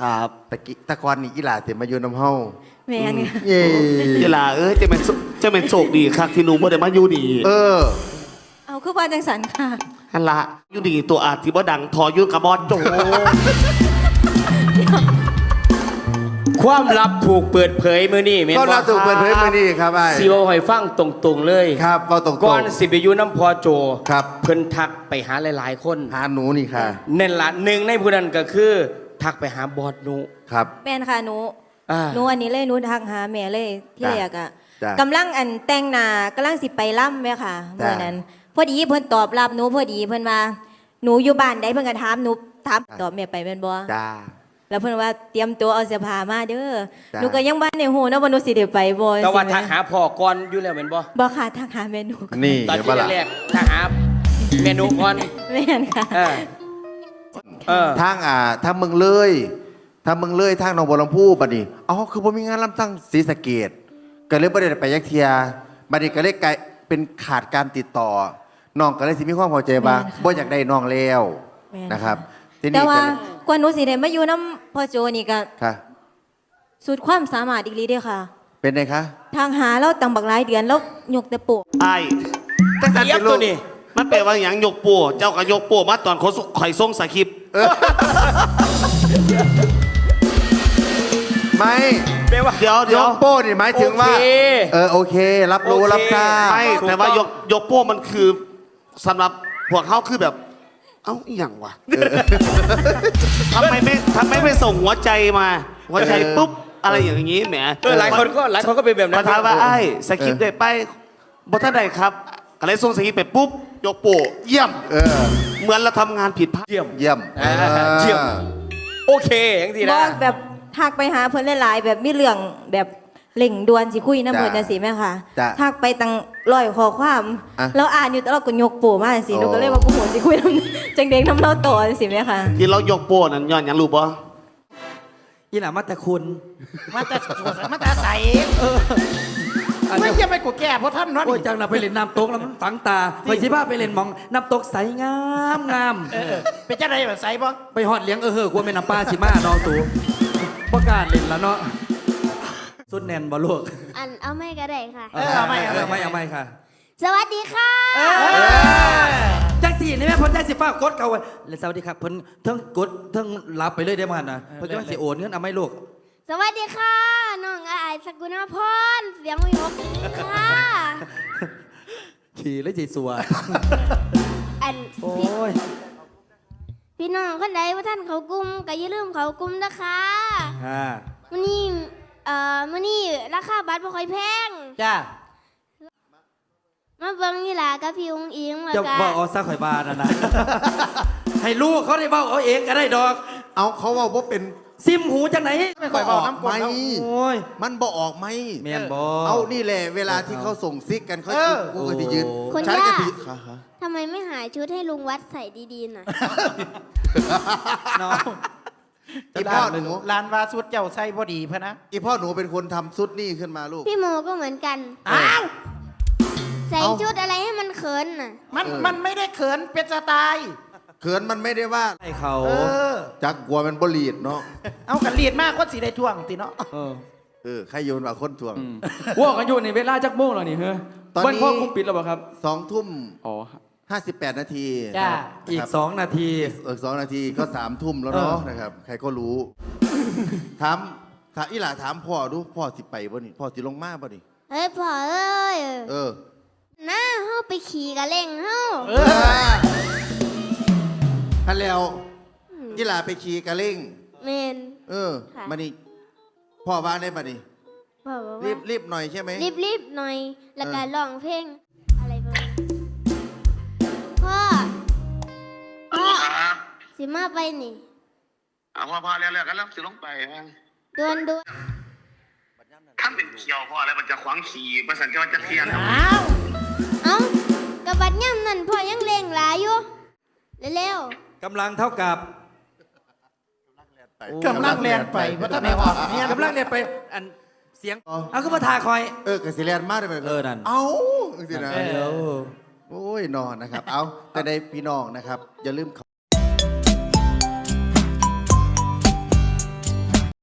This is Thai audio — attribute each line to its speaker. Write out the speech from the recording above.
Speaker 1: ครับ
Speaker 2: ตะกอนนี่อีหลาเต็มมาอยู่น้ำเฮา
Speaker 3: แม่นค่ะ
Speaker 2: เย่
Speaker 1: เวลาจะเป็นโชคดีครับที่หนูบ่ได้มาอยู่ดี
Speaker 3: เอาคือว่าจังสันค่ะ
Speaker 1: ฮันละอยู่ดีตัวอาจที่บ่ดังทออยู่กับบอสโจ
Speaker 4: ความลับถูกเปิดเผยมื้อนี้แม่น
Speaker 2: ก็
Speaker 4: บ่
Speaker 2: เราถูกเปิดเผยมือนี้ครับไอ้
Speaker 4: สิเว้าให้ฟังตรงๆเลย
Speaker 2: ครับเราตรงๆ
Speaker 4: ก่อนสิไปอยู่น้ำพอโจ
Speaker 2: ครับ
Speaker 4: เพิ่นทักไปหาหลายๆคน
Speaker 2: หาหนูนี่ค่ะ
Speaker 4: นั่นล่ะหนึ่งในผู้นั้นก็คือทักไปหาบอสหนู
Speaker 2: ครับ
Speaker 3: แม่นค่ะหนู
Speaker 4: อ่า
Speaker 3: หนูอันนี้เลยหนูทักหาแม่เลยที่
Speaker 2: จ้ะ
Speaker 3: แรกอ่ะ
Speaker 2: จ้ะ
Speaker 3: กำลังอันแต่งหน้ากำลังสิไปล่ำแม่ค่ะ
Speaker 2: จ้ะ
Speaker 3: เมื่อนั้น พอดีเพิ่นตอบรับหนูพอดีเพิ่นว่าหนูอยู่บ้านใดเพิ่นก็ถามหนูถามตอบแม่ไปแม่นบ่
Speaker 2: จ้า
Speaker 3: แล้วเพิ่นว่าเตรียมตัวเอาเสื้อผ้ามาเด้อ
Speaker 2: จ้ะ
Speaker 3: หนูก็ยังบ้านในหูนะว่าหนูสิได้ไปบ่
Speaker 4: แต่ว่า
Speaker 3: สิแม่
Speaker 4: ทักหาพ่อก่อนอยู่แล้วแม่นบ่
Speaker 3: บ่ค่ะทักหาแม่หนูก่อน
Speaker 2: นี่
Speaker 4: ตอน
Speaker 2: เดี๋ยว
Speaker 4: ที่
Speaker 2: บ่ล่ะ
Speaker 4: แรกๆทักหาเมนูก่อน
Speaker 3: แม่นค่ะ
Speaker 4: เออเออ
Speaker 2: ทางเมืองเลยทางหนองบัวลำพูบัดนี้อ๋อคือผมมีงานลำตั้งศรีสะเกษก็เลยบ่ได้ไปยักเทียบัดนี้ก็เลยกลายเป็นขาดการติดต่อน้องก็เลยสิมีความพอใจว่า
Speaker 3: แม่นค่ะ
Speaker 2: บ่อยากได้น้องแล้ว
Speaker 3: แม่น
Speaker 2: นะครับที
Speaker 3: แต่
Speaker 2: นี้
Speaker 3: ว่า
Speaker 2: ก็เลย
Speaker 3: กว่าหนูสิได้มาอยู่น้ำพ่อโจนี่ก็
Speaker 2: ค่ะ
Speaker 3: สุดความสามารถอีกลีเด้อค่ะ
Speaker 2: เป็นไงคะ
Speaker 3: ทางหาเราตั้งบักหลายเดือนแล้วยกแต่โปะ
Speaker 1: ไอ้
Speaker 2: ตั้งแต่
Speaker 4: เทียบ
Speaker 2: เป็นลู
Speaker 4: ตัว
Speaker 2: ก
Speaker 4: นี้
Speaker 1: มันแปลว่าอย่างยกปัวเจ้าก็ยกปัวมาตอนข่อยส่งสคริปต์
Speaker 2: ไม่
Speaker 4: แปลว่า
Speaker 1: เดี๋ยวย
Speaker 2: กโป้นี่หมายถึงว่า
Speaker 4: โอเค
Speaker 2: โอเค รับรู้
Speaker 4: โอเค
Speaker 2: รับทราบ
Speaker 1: ไม่
Speaker 4: ถูก
Speaker 1: แต่ว่า
Speaker 4: ต้อง
Speaker 1: ยกปัวมันคือสำหรับพวกเขาคือแบบ เอ้าอหย่างวะทำไมไม่ส่งหัวใจมา หัวใจปุ๊บอะไรอย่างนี้แหม
Speaker 4: หลายคนก็เป็นแบบนั้
Speaker 1: มาน ถามว่าไอ้สคริปต์ได้ไปบทท่านใดครับอะไรส่งสคริปต์ไปปุ๊บยกปัวเยี่ยม เหมือนเราทำงานผิดพลาด
Speaker 4: เยี่ยม
Speaker 2: เยี่ยม
Speaker 4: เยี่ยม โอเคอย่างที่
Speaker 3: บ
Speaker 4: นะ
Speaker 3: อกแบบทักไปหาเพิ่นหลายๆแบบมีเรื่องแบบเล่งด่วนสิคุยน้ำเพิ่นจังซี่แม่ค่ะ
Speaker 2: จ้ะ
Speaker 3: ทักไปตั้งร้อยข้อความ
Speaker 2: อ่ะ
Speaker 3: แล้วอ่านอยู่แต่เราก็ยกโปะมาจังซี่
Speaker 2: โอ้
Speaker 3: หนูก็เลยว่ากูโหสิคุยน้ำจังเด็กน้ำเล่าต่อจังซี่แม่ค่ะ
Speaker 1: ที่เรายกปัวนั้นย้อนหยังรู้ปะ
Speaker 5: อีหล่ามาแต่คุณ
Speaker 6: มาแต่มาแต่ใสไม่ใช่ไปกูแก่เพราะท่านนั่น
Speaker 5: โอ้ยจังนะไปเล่นน้ำตกแล้วมันฝังตาไปสิพาไปเล่นหมองน้ำตกใสงามงาม
Speaker 6: เป็นเจ้าใดแบบใสบ่
Speaker 5: ไปหอดเลี้ยงกลัวแม่น้ำปลาสิมาน้องสูประกล้าศเล่นแล้วเนาะสุดแน่นบ่ลูก
Speaker 7: อันเอาไม่ก็ได้ค่ะ
Speaker 5: เอาไม่ค่ะ
Speaker 7: สวัสดีค่ะ
Speaker 5: จังสี่นี่แม่เพ้นจังสิฟ้ากดเขาไว้แล้วสวัสดีครับเพิ่นเทั้งกดเทั้งรับไปเลยได้มันนะเพิ่นจังสิโอนเงินเอาไม่ลูก
Speaker 7: สวัสดีค่ะ น้องอายสกุณาพรเสียงวิหกค่ะ
Speaker 5: ขี่เลยสิสัว
Speaker 7: อัน
Speaker 5: โอ้ย
Speaker 7: พี่น้องคนใดว่าท่านเขากลุ่มก็อย่าลืมเขากลุ่มนะคะ
Speaker 5: ค่ะ
Speaker 7: มื้อนี้มื้อนี้ราคาบัตรบ่ค่อยแพง
Speaker 6: จ้า
Speaker 7: มาเบิ่งนี่ล่ะกับพี่อุ้งอิงแล้ว
Speaker 5: จะ
Speaker 7: ก็
Speaker 5: บอกเอาซะข่อยบานะนะ ให้ลูกเขาได้บอกเอาเองก็ได้ดอก
Speaker 2: เอาเขาว่าเป็น
Speaker 5: ซิมหูจังไหน
Speaker 6: ไม่ค่อยบอกน้ำก
Speaker 2: ไห
Speaker 6: ล
Speaker 2: ม
Speaker 5: โอ้ย
Speaker 2: มันบ่ออกไหม
Speaker 5: แม่นบ่
Speaker 2: เอานี่แหละเวลาที่เขาส่งซิกกันเขากูก็จะยืน
Speaker 7: คน
Speaker 2: ใช้
Speaker 7: ยาก
Speaker 2: ะทิ
Speaker 7: ทำไมไม่หาชุดให้ลุงวัดใส่ดีๆน่ะ
Speaker 5: น้อง
Speaker 2: อีพ่อหนู
Speaker 6: ลานวาสุดเจ้าใส่พอดีพะนะ
Speaker 2: อีพ่อหนูเป็นคนทำซุดนี่ขึ้นมาลูก
Speaker 7: พี่โมก็เหมือนกัน
Speaker 6: อ้าว
Speaker 7: ใส่
Speaker 2: เอ้า
Speaker 7: ชุดอะไรให้มันเขินน่ะ
Speaker 6: มันไม่ได้เขินเป็นสไตล์
Speaker 2: เขินมันไม่ได้ว่า
Speaker 5: ให้เขา
Speaker 6: เออ
Speaker 2: จักกลัวมันบลีดเนาะ
Speaker 6: เอากันลีดมากคนสีได้ท่วงติเนาะ
Speaker 2: ใครโยนว่าคนทวง
Speaker 8: ว่ากันอยู่ในเวลาจักโมงแล้วนี่เฮ้ย
Speaker 2: ตอนนี้
Speaker 8: เบิ้ลพ่อคุมปิดแล้วเปล่าครับ
Speaker 2: 2 ทุ่ม
Speaker 8: อ๋อ
Speaker 2: 58 นาที
Speaker 6: จ้า
Speaker 5: อีก 2 นาที
Speaker 2: 2 นาทีก็3 ทุ่มแล้วเนาะนะครับ ใครก็รู้ ถามอีหล่าถามพ่อดูพ่อสิไปบ่นี่พ่อสิลงมาบ่นี่
Speaker 7: เฮ้ยพ่อเอ้ย
Speaker 2: เออ
Speaker 7: น้าเฮาไปขี่กะเล่งเฮา
Speaker 2: ท่านแล้วอีหล่าไปขี่กระเล่ง
Speaker 7: เมน ค่ะ
Speaker 2: มานี่พ่อว่าได้ป่ะนี่
Speaker 7: พ่อบอก
Speaker 2: รี
Speaker 7: ว่า
Speaker 2: บหน่อยใช่ไหม
Speaker 7: รีบหน่อย แล้วก็ร้องเพลง อะไรประมาณพ่อสิมาไปนี่
Speaker 1: พอแล้วกันแล้วสิลงไป
Speaker 7: ด่วน
Speaker 1: ถ้าเป็นเขียวพออะไรมันจะขวางขี่ประสันจะเคลียร์
Speaker 6: อ้าว
Speaker 7: เอ้ากระบัดย่ำนั่นพ่อยังเล่งหลายอยู่ เร็ว
Speaker 5: กำลังเท่ากับ
Speaker 6: กำลังแลนไปเพราะท่านไม่ออกเนี่ย
Speaker 5: กำลังเนี่ยไปอันเสียงเอาก็มาทาคอย
Speaker 2: กสิเลียนมากเลย
Speaker 5: นั่น
Speaker 2: เอ้าสินะ
Speaker 5: เดี๋ยว
Speaker 2: โอ้ยนอนนะครับ เอาแต่ในพี่น้องนะครับ อย่าลืม